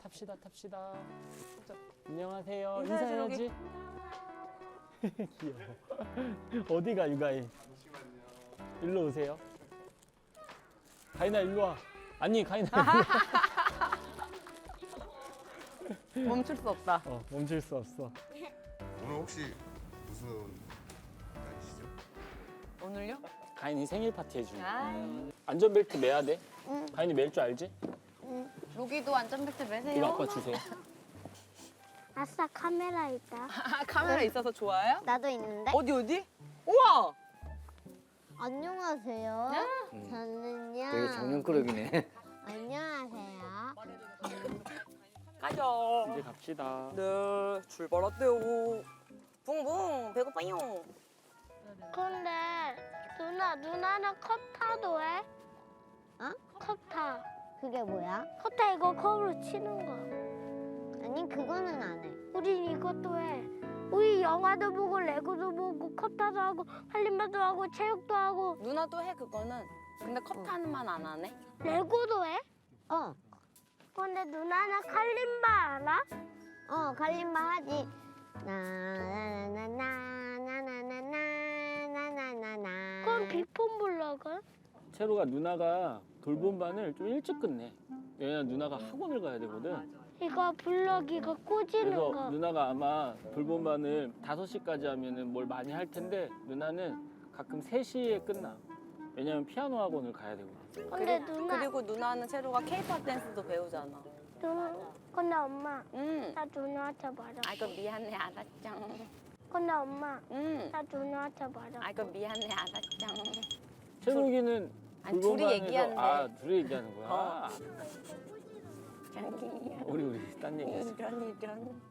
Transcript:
탑시다 탑시다. 자, 안녕하세요. 인사해야지, 인사해야지. 귀여워. 어디가 유가인? 잠시만요. 일로 오세요. 가인아 일로 와. 아니 가인아 일로 와. 멈출 수 없다. 멈출 수 없어. 오늘 혹시 무슨 날이시죠? 오늘요? 가인이 생일 파티 해주는. 아, 안전벨트 매야 돼. 가인이 멜 줄 알지? 로기도 안전벨트 매세요. 이거 아빠 주세요. 아싸 카메라 있다. 카메라 있어서 좋아요? 나도 있는데. 어디? 우와! 안녕하세요. 저는요. 되게 장난꾸러기네. 안녕하세요. 가자. 이제 갑시다. 네, 출발할게요. 붕붕, 배고파요. 근데 누나는 컵 타도 해? 어? 컵 타. 그게 뭐야? 컵 타 이거 컵으로 치는 거. 아니 그거는 안 해. 우린 이것도 해. 우리 영화도 보고 레고도 보고 컵 타도 하고 할림바도 하고 체육도 하고 누나도 해, 그거는. 근데 컵 타는만 안 하네. 레고도 해? 어. 근데 누나는 칼림바 알아? 어, 칼림바 하지. 나나나나나나나나나나나나나. 그럼 비폰 불러가? 채로가 누나가 돌봄반을 좀 일찍 끝내. 왜냐면 누나가 학원을 가야 되거든. 이거 블럭이가 꽂이는 그래서 거. 누나가 아마 돌봄반을 5시까지 하면은 뭘 많이 할 텐데 누나는 가끔 3시에 끝나. 왜냐면 피아노 학원을 가야 되거든. 근데 누나, 그리고 누나는 채로가 케이팝 댄스도 배우잖아. 근데 엄마, 응. 나 누나한테 말아. 아이고, 미안해, 알았죠. 근데 엄마, 응. 나 누나한테 말아. 아이고, 미안해, 알았죠. 채록이는 아니, 돌봄반에서 둘이 얘기하는데. 둘이 얘기하는 거야. 자기야. 우리 딴 얘기했어. 이런.